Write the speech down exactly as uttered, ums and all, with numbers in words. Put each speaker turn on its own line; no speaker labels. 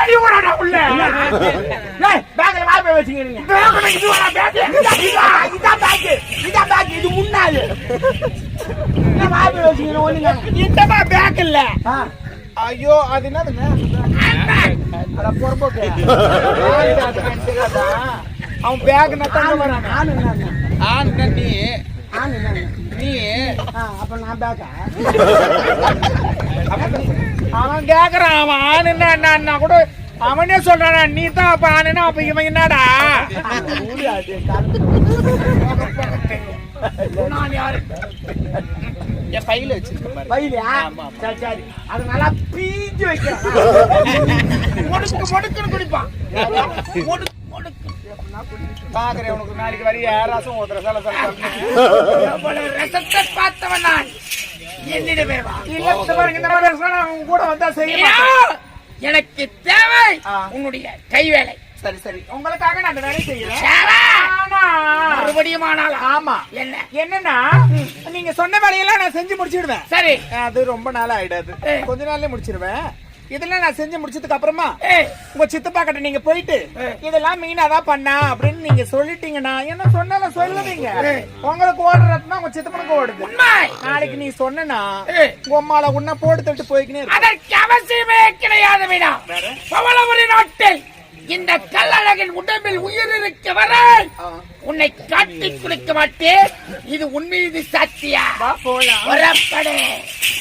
வெளிய ஓடா உள்ள டேய் பேக்ல வா போய் வச்சிக்கிறீங்க பேக்ல இது வர பேக் இதா பேக் இதா பேக் இது முன்னால நான் வா போய் வச்சிக்கிறேன் ஒண்ணுங்க இதமா பேக் இல்ல ஐயோ அது என்னதுங்க அட பொறம்போக்கு அவன் பேக் நட்டாங்க வரானே ஆனு நான் ஆனு நீ ஆனு நான் நீ அப்ப நான் பேக்கா அவன் கேக்குறான் அவன் ஆனுன்னா என்ன கூட அவனே சொல்றானா நீ தான் அப்ப ஆனுன்னா அப்ப இவன் என்னடா நான் யாரு என் பையில வச்சிருக்கேன் பையிலா சரி சரி அது நல்லா பீஞ்சு வைக்கிறான் முடுக்கு முடுக்குன்னு குடிப்பான் முடுக்கு முடுக்கு பாக்குறேன் உனக்கு நாளைக்கு வரைய ரசம் ஊத்துற சல சல ரசத்தை பார்த்தவன் நான் என்னிடமே வா இல்ல பாருங்க இந்த மாதிரி ரசம் கூட வந்தா செய்யணும் எனக்கு தேவை உன்னுடைய கைவேலை சரி சரி உங்களுக்காக நான் அந்த வேலையை செய்யறேன் மறுபடியும் ஆனால் ஆமா என்ன என்னன்னா நீங்க சொன்ன வேலையெல்லாம் நான் செஞ்சு முடிச்சிடுவேன் சரி அது ரொம்ப நாள் ஆயிடாது கொஞ்ச நாள்லயே முடிச்சிருவேன் இதெல்லாம் நான் செஞ்சு முடிச்சதுக்கு அப்புறமா உங்க சித்தப்பா கிட்ட நீங்க போயிட்டு இதெல்லாம் மீனாதான் பண்ணா அப்படின்னு நீங்க சொல்லிட்டீங்கன்னா என்ன சொன்னாலும் சொல்லுவீங்க உங்களுக்கு ஓடுறதுன்னா உங்க சித்தப்பனுக்கு ஓடுது நாளைக்கு நீ சொன்னா உங்க அம்மால உன்ன போட்டு தட்டு போய்க்கினே அதற்கு அவசியமே கிடையாது மீனா பவளவரி நாட்டில் இந்த கல்லழகின் உடம்பில் உயிர் இருக்க வரை உன்னை காட்டி குளிக்க மாட்டேன் இது உன் மீது சத்தியா புறப்படு